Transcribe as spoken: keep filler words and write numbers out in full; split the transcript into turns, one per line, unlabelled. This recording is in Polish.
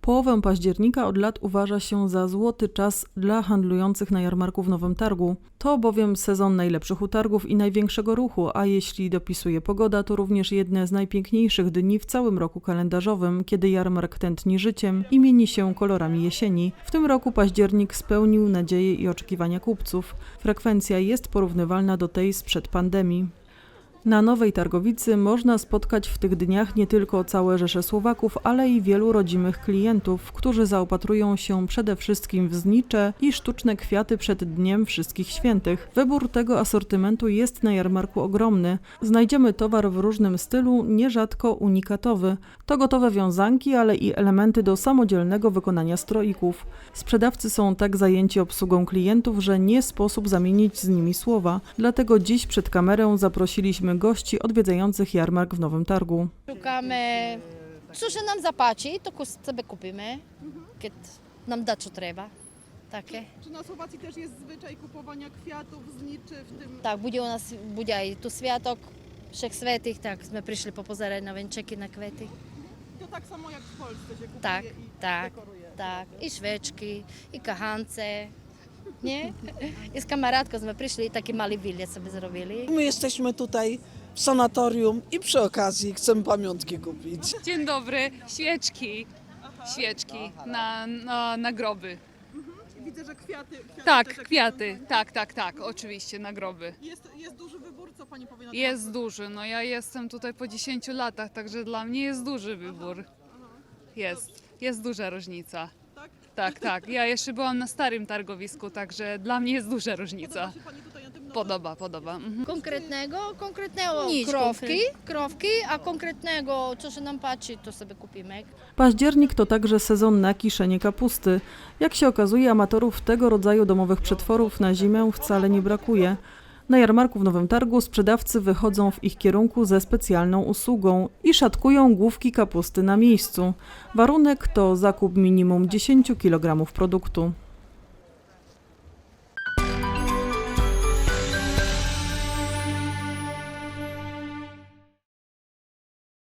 Połowę października od lat uważa się za złoty czas dla handlujących na jarmarku w Nowym Targu. To bowiem sezon najlepszych utargów i największego ruchu, a jeśli dopisuje pogoda, to również jedne z najpiękniejszych dni w całym roku kalendarzowym, kiedy jarmark tętni życiem i mieni się kolorami jesieni. W tym roku październik spełnił nadzieje i oczekiwania kupców. Frekwencja jest porównywalna do tej sprzed pandemii. Na Nowej Targowicy można spotkać w tych dniach nie tylko całe rzesze Słowaków, ale i wielu rodzimych klientów, którzy zaopatrują się przede wszystkim w znicze i sztuczne kwiaty przed Dniem Wszystkich Świętych. Wybór tego asortymentu jest na jarmarku ogromny. Znajdziemy towar w różnym stylu, nierzadko unikatowy. To gotowe wiązanki, ale i elementy do samodzielnego wykonania stroików. Sprzedawcy są tak zajęci obsługą klientów, że nie sposób zamienić z nimi słowa. Dlatego dziś przed kamerę zaprosiliśmy gości odwiedzających jarmark w Nowym Targu.
Szukamy, co się nam zapaci, to sobie kupimy, kiedy nam da co trzeba. Takie.
Czy na Słowacji też jest zwyczaj kupowania kwiatów, zniczy w tym?
Tak, będzie u nas będzie i tu światok Wszech Svetych, tak, my przyszli popozerać na węczyki, na kwiaty.
To tak samo jak w Polsce się kupuje
Tak,
i
tak,
dekoruje.
tak, i świeczki, i kachance, nie? I z kameradką my przyszli i taki mały bilet sobie zrobili.
My jesteśmy tutaj w sanatorium i przy okazji chcemy pamiątki kupić.
Dzień dobry, świeczki, świeczki na, na, na groby.
Widzę, że kwiaty. kwiaty
Tak,
też jak
kwiaty,
są.
tak, tak, tak, oczywiście na groby.
Jest, jest duży wybór, co pani powie na temat?
Jest duży, no ja jestem tutaj po dziesięciu latach, także dla mnie jest duży wybór. Jest, jest duża różnica.
Tak?
Tak, tak, ja jeszcze byłam na starym targowisku, także dla mnie jest duża
Podoba
różnica.
się pani tutaj na tym nowym?
Podoba, podoba. Mhm.
Konkretnego, konkretnego
Nic
krowki, krowki, a konkretnego, co się nam patrzy, to sobie kupimy.
Październik to także sezon na kiszenie kapusty. Jak się okazuje, amatorów tego rodzaju domowych przetworów na zimę wcale nie brakuje. Na jarmarku w Nowym Targu sprzedawcy wychodzą w ich kierunku ze specjalną usługą i szatkują główki kapusty na miejscu. Warunek to zakup minimum dziesięć kilogramów produktu.